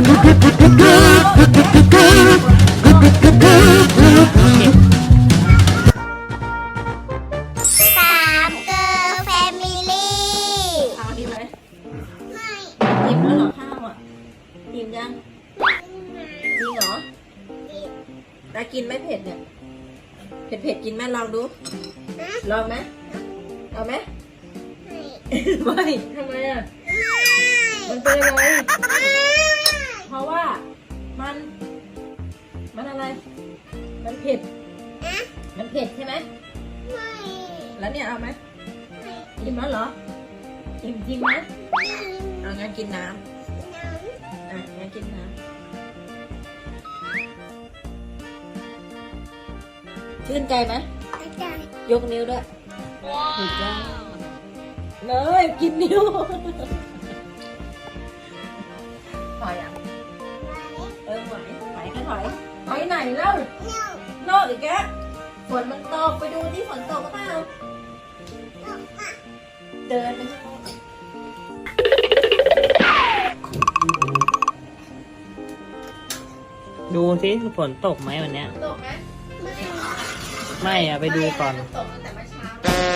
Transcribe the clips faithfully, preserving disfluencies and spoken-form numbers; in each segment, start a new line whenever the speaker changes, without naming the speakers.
สามเกอร์แฟมิลี่
ข้าวดีไหม
ไม่
อิ่มแล้วเหรอข้าวอ่ะอิ่มยังจริงเหรอตากินไหมเผ็ดเนี่ยเผ็ดเผ็ดกินไหมลองดูลองไหมเอาไหมไม่ทำไมอ่ะมันเป็นอะไรเพราะว่ามันมันอะไรมันเผ็ดมันเผ็ดใช่ไหมแล้วเนี่ยเอาไหมอิ่มแล้วเหรออิ่มจริงไหมเอางั้นกินน้ำอ่ะงั้นกินน้ำชื่นใจไหมยกนิ้วด้วยถูกใจเลยกินนิ้วถอยอ่ะเออไหวไหวแค่ถอยถอยไหนเล่าโลกอีกแกฝนมันตกไปดูที่ฝนตกเปล่าเดินไปข้างนอก
ดูสิฝนตกไหมวันเนี้ย
ตกไหม
ไม่อะไปดูก่อน
ตกตั้งแต่เมื่อเช้า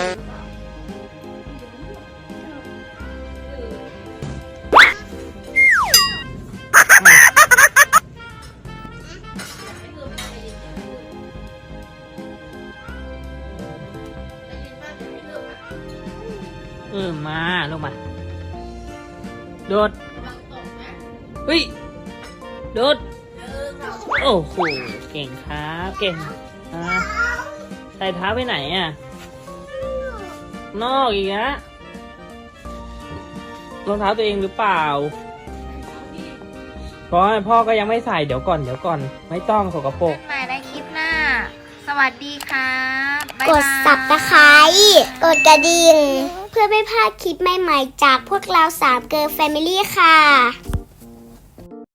เออมาลงมาโดดเฮ้ยโดดโอ้โหเก่งครับเก่งอ่ะใส่เท้าไปไหนอ่ะนอกอีกนะรองเท้าตัวเองหรือเปล่าพ่อพ่อก็ยังไม่ใส่เดี๋ยวก่อนเดี๋ยวก่อนไม่ต้องสกปรก
ใหม่ในคลิปหน้า สวัสดีครับบ๊าย
ก
บาย
ดสับตะไคร้กดกระดิ่ง เพื่อไม่พลาดคลิปใหม่ๆจากพวกเราสามเกอร์แฟมิลี่ค่ะ